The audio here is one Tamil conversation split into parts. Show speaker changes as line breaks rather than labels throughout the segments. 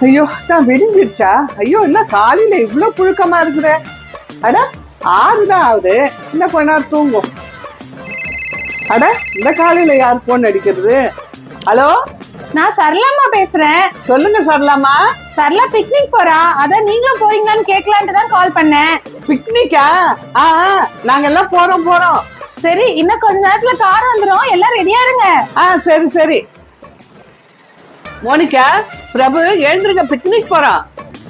ஐயோ நான் விடிஞ்சிருச்சா? ஐயோ என்ன காலையில இவ்வளவு புழுக்கமா இருக்குதே. அட 6 தான் ஆகுது, இன்னும் கொஞ்ச நேரம் தூங்கும். அட இந்த காலையில யார் போன் அடிக்கிறது? ஹலோ,
நான் சரளாமா பேசுறேன்.
சொல்லுங்க சரளாமா.
சரளா பிக்னிக் போறா, அதான் நீங்களும் போறீங்களான்னு கேட்கலான்ட்டு தான் கால் பண்ணேன்.
பிக்னிக்கா? நாங்க எல்லாம் போறோம்.
சரி, இன்னும் கொஞ்ச நேரத்துல கார் வந்துரும், எல்லாம் ரெடியா இருங்க.
சரி சரி. மோனிகா, பிரபு எழுந்திருங்க, பிக்னிக் போறோம்.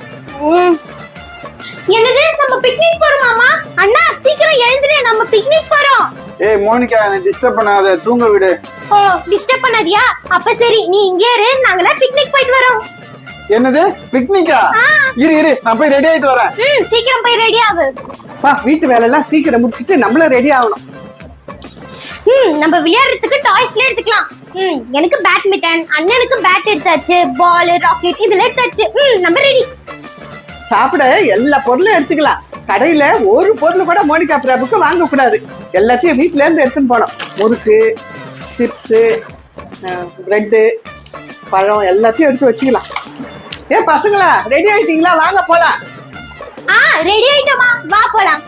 என்னது, நம்ம பிக்னிக் போறோமாமா? அண்ணா சீக்கிரம் எழுந்துரு, நம்ம பிக்னிக் போறோம்.
ஏய் மோனிகா, என்ன டிஸ்டர்ப் பண்ணாத, தூங்க விடு.
ஓ, டிஸ்டர்ப் பண்ணாதியா? அப்ப சரி, நீ இங்கே இரு, நாங்கலாம் பிக்னிக் போயிட்டு வரோம்.
என்னது பிக்னிக்கா? இரு நான் போய் ரெடி ஆயிட்டு வரேன்.
சீக்கிரம் போய் ரெடி ஆகு.
வீட்டு வேலை எல்லாம் சீக்கிரம் முடிச்சிட்டு நம்மளும் ரெடி ஆகணும்.
நம்ம விளையாடுறதுக்கு டாய்ஸ்ல எடுத்துக்கலாம். எனக்கு பேட்மிண்டன், அண்ணனுக்கு பேட் எடுத்தாச்சு, பால், ராக்கெட் இதெல்லாம் எடுத்தாச்சு. நம்ம ரெடி.
சாப்பிட எல்லா பொருளும் எடுத்துக்கலாம். கடையில ஒரு பொருள் கூட மோனிகா பிரபுக்கு வாங்க கூடாது. எல்லாத்தையும் வீட்டுல இருந்து எடுத்துன்னு போனோம். முறுக்கு, சிப்ஸ், பிரெட்டு, பழம் எல்லாத்தையும் எடுத்து வச்சுக்கலாம். ஏன் பசங்களா, ரெடி ஆயிட்டீங்களா? வாங்க போலாம்.
ரெடி ஆயிட்டோமா, வா போலாம்.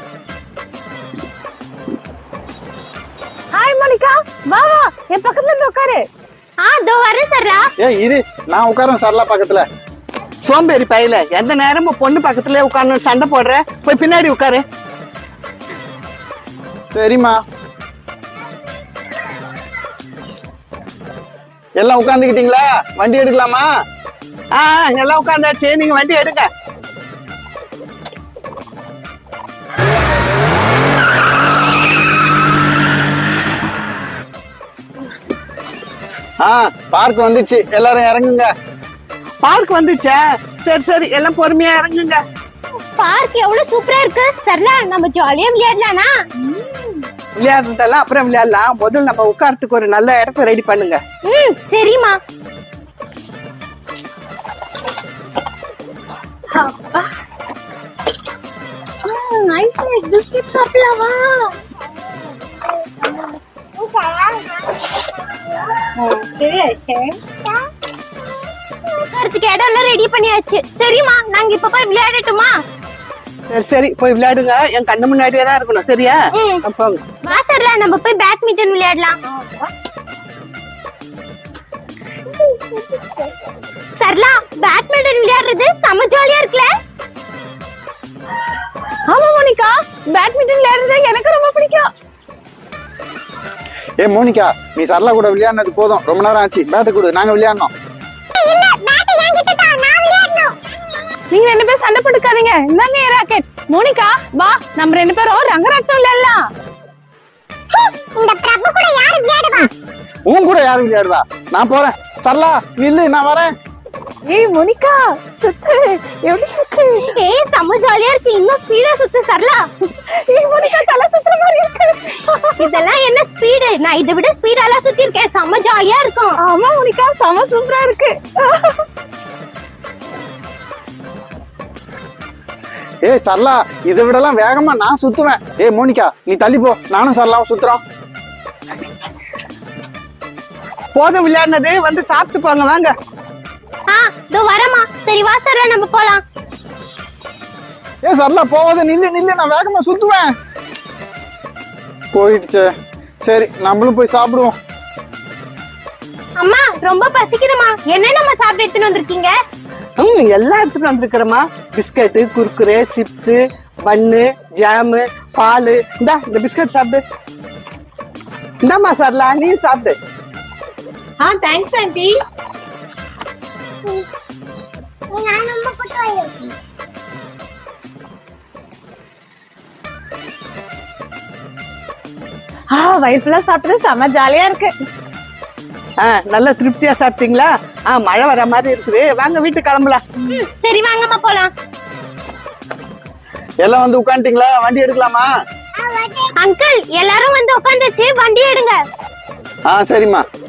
ஹாய் மோனிகா, வா வா, என் பக்கத்துல இருந்து உட்காரு.
தோ வரேன் சரளா.
ஏய் இரு, நான் உட்காரேன் சரளா பக்கத்துல.
சோம்பேறி பையில, எந்த நேரமும் பொண்ணு பக்கத்துல உட்கார்ந்து சண்டை போடுற, போய் பின்னாடி உட்காரு.
சரிம்மா. எல்லாம் உட்காந்துக்கிட்டீங்களா? வண்டி எடுக்கலாமா?
எல்லாம் உட்காந்தாச்சு, நீங்க வண்டி எடுங்க.
பார்க் வந்துச்சு, எல்லாரும் இறங்குங்க.
பார்க் வந்துச்சா? சரி சரி, எல்லாம் பொறுமையா இறங்குங்க.
பார்க் எவ்வளவு சூப்பரா இருக்கு சரளா, நம்ம ஜாலியா விளையாடலாம்னா?
விளையாடுறதெல்லாம் அப்புறம் விளையாடலாம், முதல்ல நம்ம உட்கார்றதுக்கு ஒரு நல்ல இடத்த ரெடி பண்ணுங்க.
சரிம்மா. நைஸ் பிஸ்கட் சாப்பிடலாமா? உட்கார்றதுக்கு இடம் எல்லாம் ரெடி பண்ணியாச்சு. சரிம்மா, நாங்க இப்ப போய் விளையாடட்டுமா?
சரி சரி, போய் விளையாடுங்க. என் கண்ணு முன்னாடியே தான் இருக்கணும், சரியா? போங்க.
வா சரளா, நம்ம போய் பேட்மிண்டன் விளையாடலாம். சரளா, பேட்மிண்டன் விளையாடுறது செம ஜாலியா இருக்குல்ல?
ஆமா மோனிகா, பேட்மிண்டன் விளையாடுறது எனக்கு ரொம்ப பிடிக்கும்.
ஏ மோனிகா, நீ சரளா கூட விளையாடினது போதும், ரொம்ப நேரம் ஆச்சு. பேட்டு கொடு, நாங்க விளையாடணும்.
நீங்க 2 பேரும் சண்டை போட்டுக்காதீங்க, இந்தாங்க என் ராக்கெட். மோனிகா வா, நம்ம 2 பேரும் ரங்கராட்டம் விளையாடலாம்.
இந்த பிரபு கூட யாரு விளையாடுவா?
உன் கூட யாரு விளையாடுவா? நான் போறேன். சரளா நில்லு, நான் வரேன்.
ஏய் மோனிகா, சுத்து, எப்படி இருக்கு?
செம ஜாலியா இருக்கு, இன்னும் ஸ்பீடா சுத்து சரளா.
ஏய் மோனிகா, தலை சுத்துற மாதிரி இருக்கு.
இதெல்லாம் என்ன ஸ்பீடு? நான் இதை விட ஸ்பீடாலாம் சுத்தி இருக்கேன், செம ஜாலியா இருக்கும்.
ஆமா மோனிகா, செம சூப்பரா இருக்கு.
ஏய் சரளா, இதை விடலாம் வேகமா நான் சுத்துவேன். ஏய் மோனிகா, நீ தள்ளி போ, நானும் சரளாவும் சுத்துறோம்.
போதும் விளையாடினது, வந்து சாப்பிட்டு போங்க, வாங்க.
இதோ வரமா. சரி வா சரளா, நம்ம போலாம்.
ஏய் சரளா, போவாத, நில்லு, நான் வேகமா சுத்துவேன். போயிடுச்சே. சரி, நம்மளும் போய் சாப்பிடுவோம்.
அம்மா, ரொம்ப பசிக்குதுமா, என்ன நம்ம சாப்பிட்டு எடுத்துட்டு வந்திருக்கீங்க?
எல்லாம் எடுத்துட்டு வந்திருக்கிறோமா. Biscuit, Kurkure, chips, bun, jam, பால். இந்த பிஸ்கட் சாப்பிடு. இந்தாம்மா சரளா, நீ சாப்பிடு.
Thanks aunty. வயிறு ஃபுல்லா சாப்பிட்டது செம ஜாலியா இருக்கு.
நல்லா திருப்தியா சாப்பிட்டீங்களா? மழை வர மாதிரி இருக்குது, வாங்க வீட்டுக்கு கிளம்பலாம்.
சரி வாங்கம்மா போலாம்.
எல்லாம் வந்து உட்காந்துட்டீங்களா? வண்டி எடுக்கலாமா?
அங்கிள், எல்லாரும் வந்து உட்காந்துச்சு, வண்டி எடுங்க.
சரிம்மா.